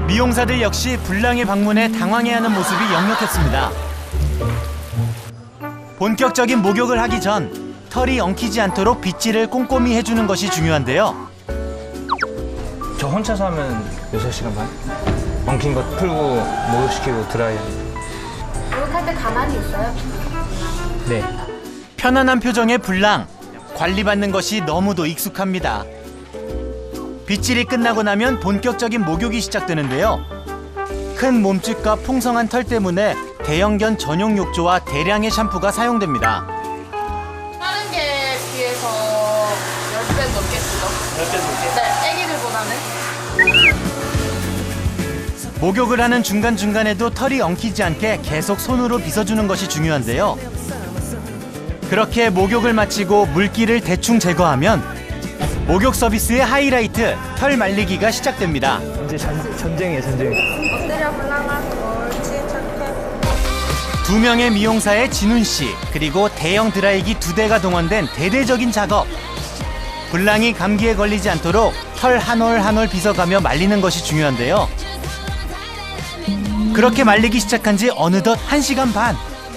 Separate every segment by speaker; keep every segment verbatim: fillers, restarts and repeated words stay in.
Speaker 1: 미용사들 역시 불랑의 방문에 당황해하는 모습이 역력했습니다. 본격적인 목욕을 하기 전 털이 엉키지 않도록 빗질을 꼼꼼히 해주는 것이 중요한데요.
Speaker 2: 저 혼자서 하면 여섯 시간 반? 엉킨 거 풀고 목욕시키고 드라이.
Speaker 3: 목욕할 때 가만히 있어요?
Speaker 2: 네.
Speaker 1: 편안한 표정의 불랑. 관리받는 것이 너무도 익숙합니다. 빗질이 끝나고 나면 본격적인 목욕이 시작되는데요. 큰 몸집과 풍성한 털 때문에 대형견 전용 욕조와 대량의 샴푸가 사용됩니다.
Speaker 3: 다른 게 비해서 십 배 넘게 쓰죠. 십 배 넘게? 네, 애기들보다는.
Speaker 1: 목욕을 하는 중간중간에도 털이 엉키지 않게 계속 손으로 빗어주는 것이 중요한데요. 그렇게 목욕을 마치고 물기를 대충 제거하면 목욕 서비스의 하이라이트, 털 말리기가 시작됩니다.
Speaker 2: 이제 전, 전쟁이에요, 전쟁.
Speaker 3: 엎드려 불랑아. 옳지, 착해.
Speaker 1: 두 명의 미용사의 진훈 씨, 그리고 대형 드라이기 두 대가 동원된 대대적인 작업. 불랑이 감기에 걸리지 않도록 털 한 올 한 올 빗어가며 말리는 것이 중요한데요. 그렇게 말리기 시작한 지 어느덧 한 시간 반.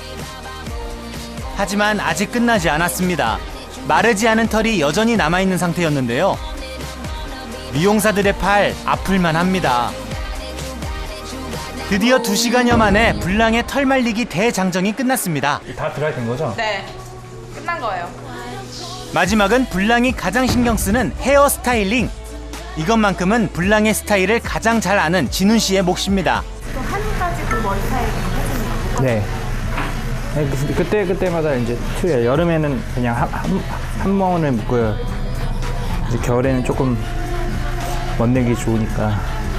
Speaker 1: 하지만 아직 끝나지 않았습니다. 마르지 않은 털이 여전히 남아있는 상태였는데요. 미용사들의 팔 아플만 합니다. 드디어 두 시간여 만에 불랑의 털 말리기 대장정이 끝났습니다.
Speaker 2: 다 드라이 된 거죠?
Speaker 3: 네, 끝난 거예요.
Speaker 1: 마지막은 불랑이 가장 신경 쓰는 헤어 스타일링. 이것만큼은 불랑의 스타일을 가장 잘 아는 진훈 씨의 몫입니다.
Speaker 3: 또 한 가지 그 머리 스타일을 해주는 거.
Speaker 2: 네. 네, 그- 그때 그때마다 이제 틀려요. 여름에는 그냥 한, 한, 한 멍을 묶고요. 이제 겨울에는 조금 멋내기 좋으니까.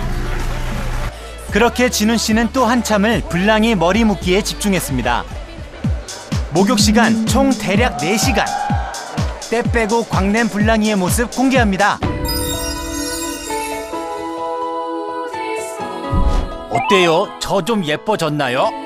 Speaker 1: 그렇게 진훈 씨는 또 한참을 불랑이 머리 묶기에 집중했습니다. 목욕 시간 총 대략 네 시간. 때 빼고 광낸 불랑이의 모습 공개합니다. 어때요? 저 좀 예뻐졌나요?